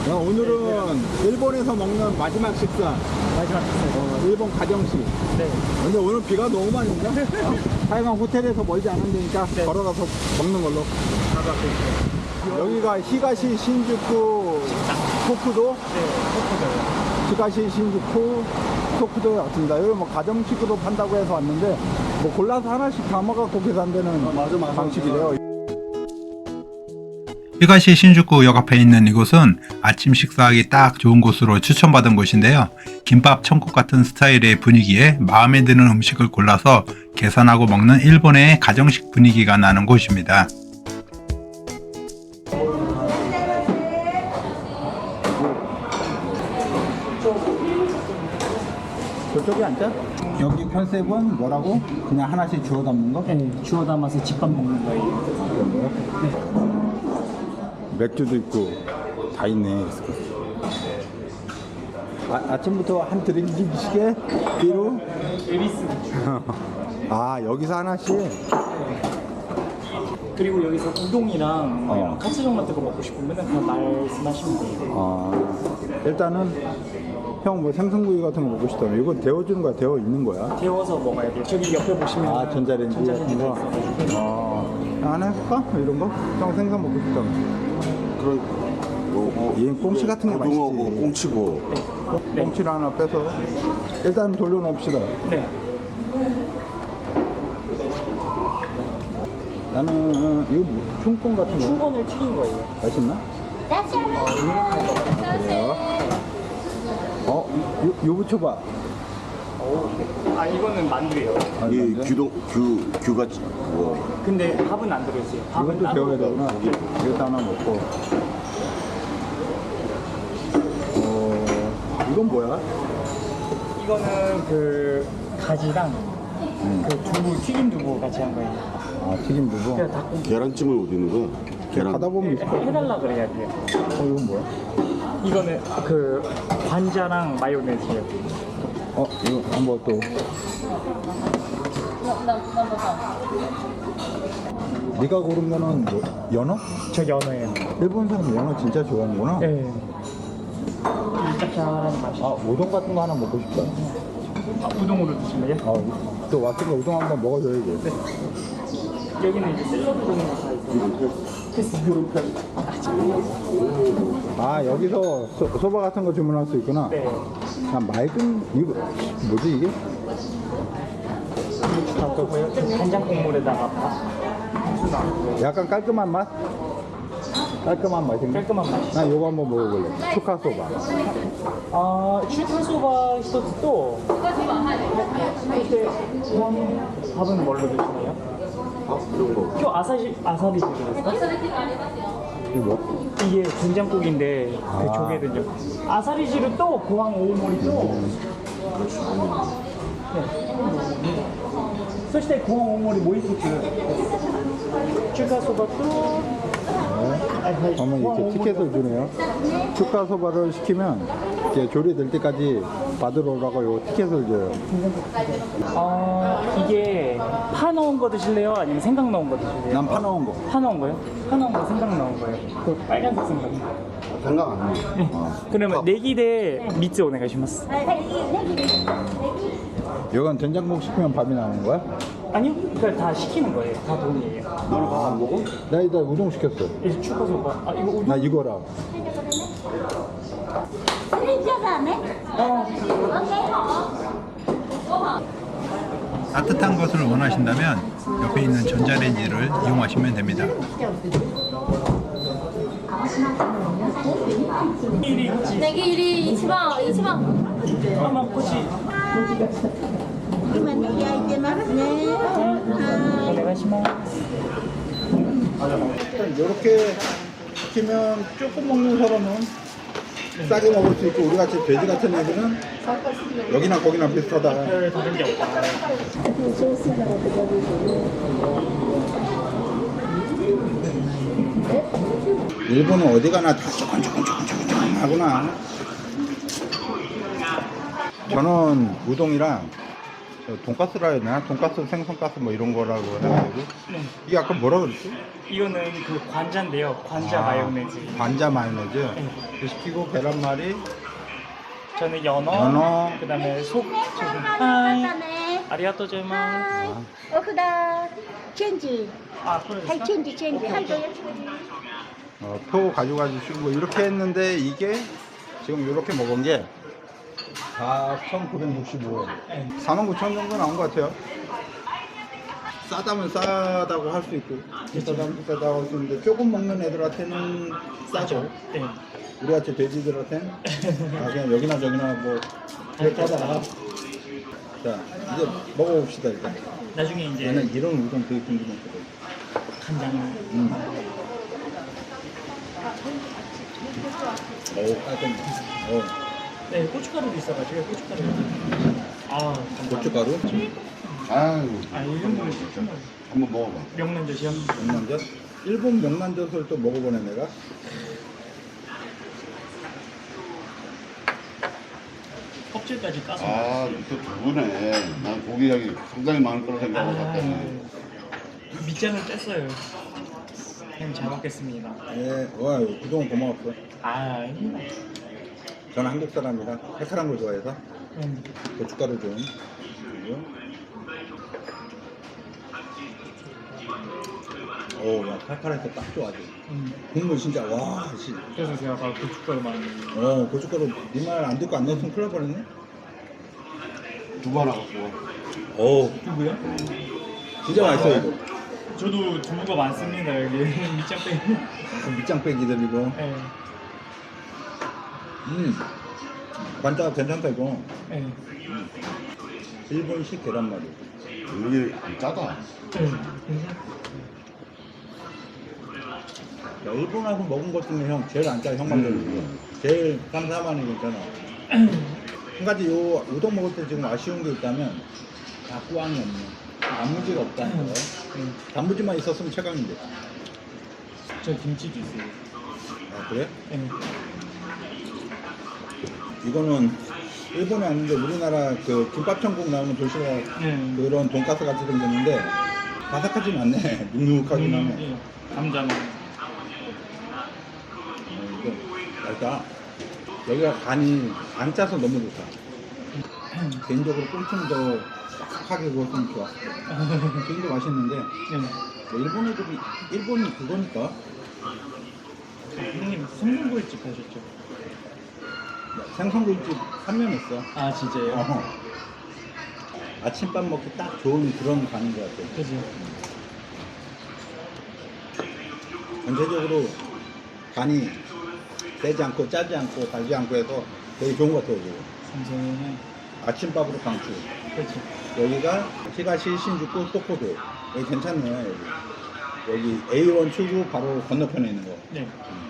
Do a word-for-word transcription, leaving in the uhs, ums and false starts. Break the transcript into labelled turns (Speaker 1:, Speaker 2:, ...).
Speaker 1: 야, 오늘은 일본에서 먹는 마지막 식사.
Speaker 2: 마지막 식사.
Speaker 1: 어, 일본 가정식.
Speaker 2: 네.
Speaker 1: 근데 오늘 비가 너무 많이 온다. 어, 하여간 호텔에서 멀지 않은 데니까
Speaker 2: 네.
Speaker 1: 걸어가서 먹는 걸로. 여기가 히가시 신주쿠 토쿠도.
Speaker 2: 네, 토크도요.
Speaker 1: 히가시 신주쿠 토쿠도에 왔습니다. 여기 뭐 가정식으로 판다고 해서 왔는데 뭐 골라서 하나씩 담아갖고 계산되는
Speaker 2: 어, 맞아, 맞아.
Speaker 1: 방식이래요.
Speaker 3: 히가시 신주쿠역 앞에 있는 이곳은 아침 식사하기 딱 좋은 곳으로 추천받은 곳인데요. 김밥 천국 같은 스타일의 분위기에 마음에 드는 음식을 골라서 계산하고 먹는 일본의 가정식 분위기가 나는 곳입니다.
Speaker 1: 저쪽에 앉자. 여기 컨셉은 뭐라고? 그냥 하나씩 주워 담는 거?
Speaker 2: 네, 주워 담아서 집밥 먹는 거예요.
Speaker 1: 맥주도 있고 다 있네. 아, 아침부터 한 드링크씩에 비로.
Speaker 2: 에비스.
Speaker 1: 아, 여기서 하나씩.
Speaker 2: 그리고 여기서 우동이랑 뭐
Speaker 1: 어.
Speaker 2: 이런 카츠동 같은 거 먹고 싶으면 그냥 말씀하시면 돼요.
Speaker 1: 아, 일단은 형 뭐 생선구이 같은 거 먹고 싶다면 이건 데워주는 거야? 데워 있는 거야?
Speaker 2: 데워서 먹어야 돼요. 저기 옆에 보시면
Speaker 1: 아, 전자레인지 같은 거. 아, 하나 해볼까? 이런 거? 형 생선 먹고 싶다면.
Speaker 4: 그런 뭐,
Speaker 1: 얘 꽁치 같은 게 맛있지.
Speaker 4: 고등어고 꽁치고
Speaker 2: 네.
Speaker 1: 꽁치를 하나 빼서 일단 돌려놓읍시다.
Speaker 2: 네.
Speaker 1: 나는 이거 뭐, 흉권 같은 거
Speaker 2: 충건을 튀긴 거예요.
Speaker 1: 맛있나? 그래요? 어? 요, 요 부쳐봐.
Speaker 2: 오. 아 이거는 만두예요.
Speaker 1: 아,
Speaker 4: 이
Speaker 1: 이건데?
Speaker 4: 규동 규 규가 뭐
Speaker 2: 근데 밥은 안 들어있어요. 밥은
Speaker 1: 이것도 데워야
Speaker 2: 따로
Speaker 1: 되구나. 이것도 하나 먹고. 어, 이건 뭐야?
Speaker 2: 이거는 그 가지랑 그 두부 튀김 두부 같이 한 거예요.
Speaker 1: 아, 튀김 두부.
Speaker 2: 그냥 닭고기
Speaker 4: 계란찜을 어디 있는 거야? 계란
Speaker 1: 가다 보면 있을 거.
Speaker 2: 해달라 그래야 돼요.
Speaker 1: 어, 이건 뭐야?
Speaker 2: 이거는 그 관자랑 마요네즈예요.
Speaker 1: 어, 이거 한번 또. 네가 고른 거는 뭐, 연어?
Speaker 2: 저 연어예요.
Speaker 1: 일본 사람 연어 진짜 좋아하는구나.
Speaker 2: 네. 짭짤한 맛이.
Speaker 1: 아, 우동 같은 거 하나 먹고 싶다.
Speaker 2: 아, 우동으로 드실래요?
Speaker 1: 아, 또 왔으니까 우동 한번 먹어줘야지.
Speaker 2: 여기는 이제 샐러드 종류가 다 있어요.
Speaker 1: 아, 여기서 소, 소바 같은 거 주문할 수 있구나.
Speaker 2: 네.
Speaker 1: 그냥 맑은, 이거, 뭐지 이게?
Speaker 2: 닭고요. 간장 국물에다가 밥. 수나.
Speaker 1: 약간 깔끔한 맛? 깔끔한 맛인가?
Speaker 2: 깔끔한 맛이.
Speaker 1: 난 요거 한번 먹어볼래. 추카 소바.
Speaker 2: 아, 슈타소바 히토츠 또. 이렇게 밥은 뭘로 드시나요? 또 아사시 아사비 드세요?
Speaker 1: 이거 뭐?
Speaker 2: 이게 된장국인데 그
Speaker 1: 아.
Speaker 2: 조개든요. 아사리지루 또 고항 오모리 또. 네. そして 고항 오모리 모이키츠. 슈카소바 또.
Speaker 1: 네. 어머, 이렇게 티켓을 주네요. 추카 소바를 시키면 이렇게 조리될 때까지 받으러 오라고 요 티켓을 줘요.
Speaker 2: 아 이게 파 넣은 거 드실래요? 아니면 생강 넣은 거 드실래요?
Speaker 1: 난 파 넣은 거.
Speaker 2: 파 넣은 거요? 파 넣은 거 생강 넣은 거예요. 그 빨간색 생강.
Speaker 4: 생각 안 나.
Speaker 2: 네. 그러면 네기 대 미츠 오네가시마스.
Speaker 1: 이건 된장국 시키면 밥이 나는 거야?
Speaker 2: 아니요, 그걸 다 시키는 거예요. 다 돈이에요.
Speaker 4: 너는 밥 안 먹어?
Speaker 1: 나 이따 우동 시켰어.
Speaker 2: 이제 추가소바. 아 이거 우동.
Speaker 1: 나 이거랑.
Speaker 3: 따뜻한 것을 원하신다면 옆에 있는 전자레인지를 이용하시면 됩니다.
Speaker 2: 일이 혹시
Speaker 5: ネギ入り一番一番
Speaker 2: 아마 혹시
Speaker 6: 今ね焼いてますね。は
Speaker 2: 오네가시마스.
Speaker 1: 이렇게 시키면 조금 먹는 사람은 싸게 먹을 수 있고 우리 같이 돼지 같은 애들은 여기나 거기나 비슷하다.
Speaker 2: 별 다른 게 없다.
Speaker 1: 일본은 어디 가나 다 조금 조금 조금 조금 조금 하구나. 저는 우동이랑 어, 돈가스라 해야 되나? 돈가스, 생선가스 뭐 이런 거라고 해야 되고.
Speaker 2: 네.
Speaker 1: 이게 아까 뭐라 그랬지?
Speaker 2: 이거는 그 관자인데요. 관자
Speaker 1: 아,
Speaker 2: 마요네즈.
Speaker 1: 관자 마요네즈.
Speaker 2: 네.
Speaker 1: 그 시키고 계란말이,
Speaker 2: 저는 연어,
Speaker 1: 연어.
Speaker 2: 그다음에 속 소금. 하이.
Speaker 6: だね
Speaker 2: 아리가또 제마.
Speaker 6: はいお札チェンジ
Speaker 2: 아, 그래.
Speaker 6: はいチェンジチェンジはいどうぞ
Speaker 1: 어, 표 가져가주시고 이렇게 했는데 이게 지금 이렇게 먹은 게 사천구백육십오 원.
Speaker 2: 네.
Speaker 1: 사만 구천 원 정도 나온 것 같아요. 싸다면 싸다고 할 수 있고 비싸다면 비싸다고 할 수 있는데 조금 먹는 애들한테는 싸죠.
Speaker 2: 네.
Speaker 1: 우리같이 돼지들한테는 아, 그냥 여기나 저기나 뭐 그렇게 하다가 자 이제 먹어봅시다 일단.
Speaker 2: 나중에 이제
Speaker 1: 나는 이런 우동 되게 궁금했거든.
Speaker 2: 간장.
Speaker 1: 음. 오 깔끔해. 어.
Speaker 2: 네, 고춧가루도 있어가지고 고춧가루. 아, 감사합니다.
Speaker 1: 고춧가루,
Speaker 4: 아유,
Speaker 2: 아, 이 정도면 정말
Speaker 4: 한번 먹어봐.
Speaker 2: 명란젓이요.
Speaker 1: 명란젓. 일본 명란젓을 또 먹어보네 내가.
Speaker 2: 껍질까지 까서.
Speaker 4: 아, 또 두부네. 난 고기 양이 상당히 많을 거라 생각하고
Speaker 2: 아,
Speaker 4: 갔더니.
Speaker 2: 밑장을 뺐어요. 그냥 잘 먹겠습니다.
Speaker 1: 예, 와 그동안 고마웠어.
Speaker 2: 아, 아닙니다.
Speaker 1: 저는 한국 사람이라 칼칼한 걸 좋아해서
Speaker 2: 음.
Speaker 1: 고춧가루 좀. 그리고 오, 야 칼칼해서 딱 좋아지.
Speaker 2: 음.
Speaker 1: 국물 진짜 와, 씨.
Speaker 2: 그래서 제가 아까 고춧가루 많이.
Speaker 1: 어, 고춧가루 네 말 안 듣고 안 넣었으면 큰일 날 뻔했네.
Speaker 4: 두부 하나 갖고 와.
Speaker 1: 오,
Speaker 2: 두부요?
Speaker 1: 진짜 맛있어 이거.
Speaker 2: 저도 두부가 많습니다 여기 밑장 빼.
Speaker 1: 그 밑장 빼기들이고.
Speaker 2: 네.
Speaker 1: 음, 관자 괜찮다 이거.
Speaker 2: 네.
Speaker 1: 일본식 계란말이.
Speaker 4: 여기 짜다.
Speaker 2: 네.
Speaker 1: 야, 일본하고 먹은 것 중에 형 제일 안 짜, 형만 먹는 거. 제일 삼, 사만이 괜찮아. 한 가지 요 우동 먹을 때 지금 아쉬운 게 있다면 다 꾸안이 없네. 단무지가 없다는 거. 단무지만 있었으면 최강인데.
Speaker 2: 저 김치도 있어요.
Speaker 1: 아 그래?
Speaker 2: 네.
Speaker 1: 이거는 일본에 왔는데 우리나라 그 김밥 천국 나오는 도시락
Speaker 2: 네.
Speaker 1: 그런 돈가스 같이 생겼는데 바삭하진 않네. 눅눅하긴 하네.
Speaker 2: 네. 감자는.
Speaker 1: 어, 이거 맛있다. 여기가 간이 안 짜서 너무 좋다. 개인적으로 좀 더 빡빡하게 구웠으면 좋았을 거야. 지금도 맛있는데
Speaker 2: 네.
Speaker 1: 뭐 일본 애들이 일본이 그거니까
Speaker 2: 형님 성동구이집 하셨죠?
Speaker 1: 생선구이집 삼 년 했어.
Speaker 2: 아 진짜요?
Speaker 1: 어. 아침밥 먹기 딱 좋은 그런 간인 것 같아.
Speaker 2: 그죠.
Speaker 1: 전체적으로 간이 세지 않고 짜지 않고 달지 않고 해서 되게 좋은 것 같아요. 이거.
Speaker 2: 삼성은
Speaker 1: 아침밥으로 강추.
Speaker 2: 그렇죠.
Speaker 1: 여기가 히가시 신주쿠 토코도 여기 괜찮네요. 여기 여기 에이 원 출구 바로 건너편에 있는 거.
Speaker 2: 네.